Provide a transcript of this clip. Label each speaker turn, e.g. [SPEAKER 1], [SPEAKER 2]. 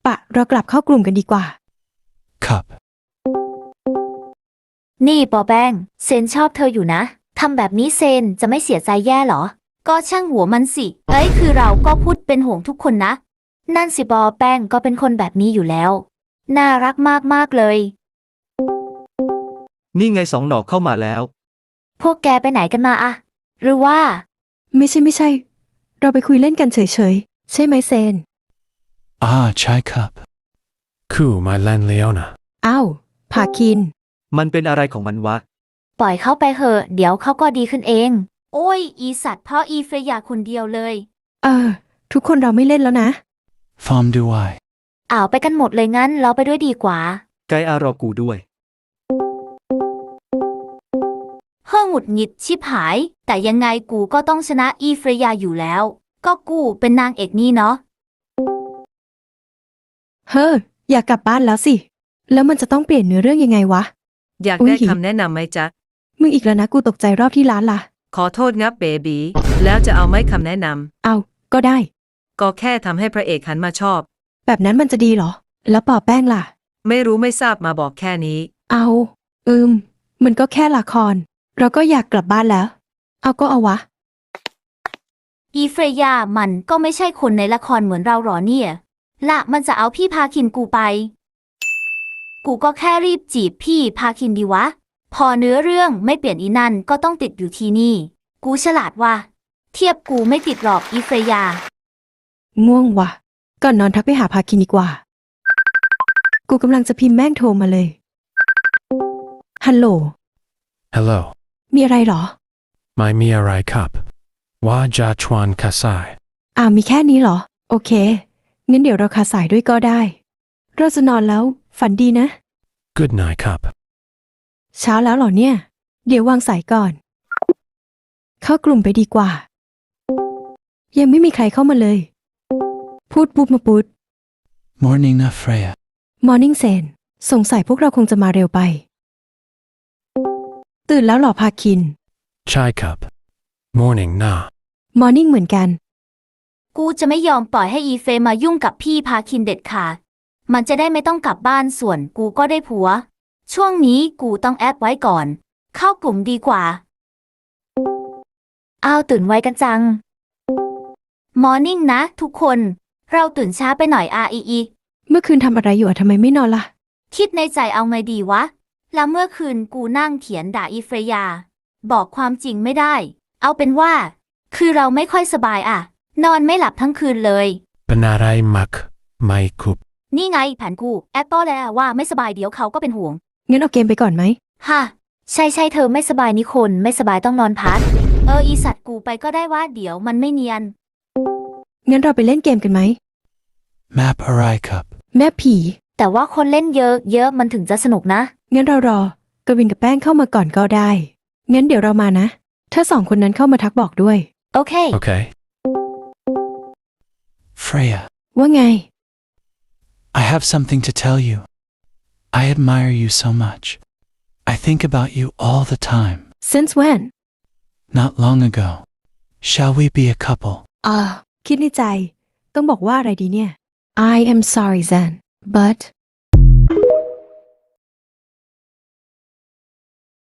[SPEAKER 1] ปะเรากลับเข้ากลุ่มกันดีกว่า
[SPEAKER 2] Cup.
[SPEAKER 3] นี่ปอแป้งเซนชอบเธออยู่นะทำแบบนี้เซนจะไม่เสียใจแย่หรอก็ช่างหัวมันสิคือเราก็พูดเป็นห่วงทุกคนนะนั่นสิปอแป้งก็เป็นคนแบบนี้อยู่แล้วน่ารักมากๆเลย
[SPEAKER 4] นี่ไง2 หน่อเข้ามาแล้ว
[SPEAKER 3] พวกแกไปไหนกันมาอะหรือว่า
[SPEAKER 1] ไม่ใช่ เราไปคุยเล่นกันเฉยๆใช่ไหมเซน
[SPEAKER 2] Ah, chai cup.
[SPEAKER 5] Ku, my land Leona.
[SPEAKER 1] อ้าวพาคิน
[SPEAKER 4] มันเป็นอะไรของมันวะ
[SPEAKER 3] ปล่อยเขาไปเหอะเดี๋ยวเขาก็ดีขึ้นเอง โอ้ยอีสัตว์เพราะอีเฟรยาคนเดียวเลย
[SPEAKER 1] ทุกคนเราไม่เล่นแล้วนะ
[SPEAKER 2] Fom do I.
[SPEAKER 3] ไปกันหมดเลยงั้นเราไปด้วยดีกว่า
[SPEAKER 4] ไกอารอกูด้วย
[SPEAKER 3] หงุดหงิดชิบหายแต่ยังไงกูก็ต้องชนะอีเฟรยาอยู่แล้วก็กูเป็นนางเอกนี่เนาะ
[SPEAKER 1] เฮ้ออยากกลับบ้านแล้วสิแล้วมันจะต้องเปลี่ยนเนื้อเรื่องยังไงวะ
[SPEAKER 6] อยาก
[SPEAKER 1] อุ๊ย
[SPEAKER 6] ได้คำแนะนำไหมจ๊ะ
[SPEAKER 1] มึงอีกแล้วนะกูตกใจรอบที่ร้านล่ะ
[SPEAKER 6] ขอโทษงับเบบีแล้วจะเอาไหมคำแนะน
[SPEAKER 1] เอาก็ได้
[SPEAKER 6] ำก็แค่ทำให้พระเอกหันมาชอบ
[SPEAKER 1] แบบนั้นมันจะดีเหรอ แล้วปอแป้งล่ะ
[SPEAKER 6] ไม่รู้ไม่ทราบมาบอกแค่นี้
[SPEAKER 1] เอามันก็แค่ละคร เราก็อยากกลับบ้านแล้ว เอาก็เอาวะ
[SPEAKER 3] อีเฟรยามันก็ไม่ใช่คนในละครเหมือนเราหรอเนี่ยละมันจะเอาพี่พาคินกูไป กูก็แค่รีบจีบพี่พาคินดีวะ พอเนื้อเรื่องไม่เปลี่ยนอีนั่นก็ต้องติดอยู่ที่นี่ กูฉลาดว่ะเทียบกูไม่ติดหรอกอีเฟรยา
[SPEAKER 1] ง่วงว่ะ ก่อนนอนทักไปหาพาคินดีกว่า กูกำลังจะพิมพ์แม่งโทรมาเลย ฮัลโหล
[SPEAKER 5] Hello.
[SPEAKER 1] มีอะไรเหรอ
[SPEAKER 5] My Miarai Cup. Wa Ja Chuan Kasai.
[SPEAKER 1] มีแค่นี้เหรอ โอเค งั้นเดี๋ยวเราคาสายด้วยก็ได้ เราจะนอนแล้ว ฝันดีนะ
[SPEAKER 5] Good night, Cup.
[SPEAKER 1] เช้าแล้วเหรอเนี่ย เดี๋ยววางสายก่อน เข้ากลุ่มไปดีกว่า ยังไม่มีใครเข้ามาเลย พูดปุ๊บมาปุ๊ด
[SPEAKER 2] Morning na Freya.
[SPEAKER 1] Morning Sen สงสัยพวกเราคงจะมาเร็วไป ตื่นแล้วเหรอพาคิน
[SPEAKER 5] Chai Cup. Morning na.
[SPEAKER 1] Morning เหมือนกัน
[SPEAKER 3] กูจะไม่ยอมปล่อยให้อีเฟรมายุ่งกับพี่พาคินเด็ดขาดมันจะได้ไม่ต้องกลับบ้านส่วนกูก็ได้ผัว ช่วงนี้กูต้องแอดไว้ก่อน เข้ากลุ่มดีกว่า ตื่นไวกันจัง Morning นะทุกคน เราตื่นช้าไปหน่อยอี
[SPEAKER 1] เมื่อคืนทำอะไรอยู่ทำไมไม่นอนล่ะ
[SPEAKER 3] คิดในใจเอาไงดีวะ แล้วเมื่อคืนกูนั่งเขียนด่าอีเฟรยา บอกความจริงไม่ได้ เอาเป็นว่า คือเราไม่ค่อยสบายนอนไม่หลับทั้งคืนเลย
[SPEAKER 5] Benarai Mak. My Cup.
[SPEAKER 3] นี่ไงแผนกูแอดก็แล้วว่าไม่สบายเดี๋ยวเขาก็เป็นห่วง
[SPEAKER 1] งั้นเอาเกมไปก่อนไหม
[SPEAKER 3] ฮะใช่เธอไม่สบายนี่คนไม่สบายต้องนอนพักอีสัตว์กูไปก็ได้ว่าเดี๋ยวมันไม่เนียน
[SPEAKER 1] งั้นเราไปเล่นเกมกันไหม
[SPEAKER 2] Map Arai Cup.
[SPEAKER 1] แม่ผี
[SPEAKER 3] แต่ว่าคนเล่นเยอะมันถึงจะสนุกนะ
[SPEAKER 1] งั้นเรารอกวินกับแป้งเข้ามาก่อนก็ได้ งั้นเดี๋ยวเรามานะ ถ้าสองคนนั้นเข้ามาทักบอกด้วย
[SPEAKER 3] โอเค
[SPEAKER 5] Okay.
[SPEAKER 2] Freya.
[SPEAKER 1] ว่าไง
[SPEAKER 2] I have something to tell you. I admire you so much. I think about you all the time.
[SPEAKER 1] Since when
[SPEAKER 2] Not long ago. Shall we be a couple?
[SPEAKER 1] คิดในใจ ต้องบอกว่าอะไรดีเนี่ย I am sorry Zen but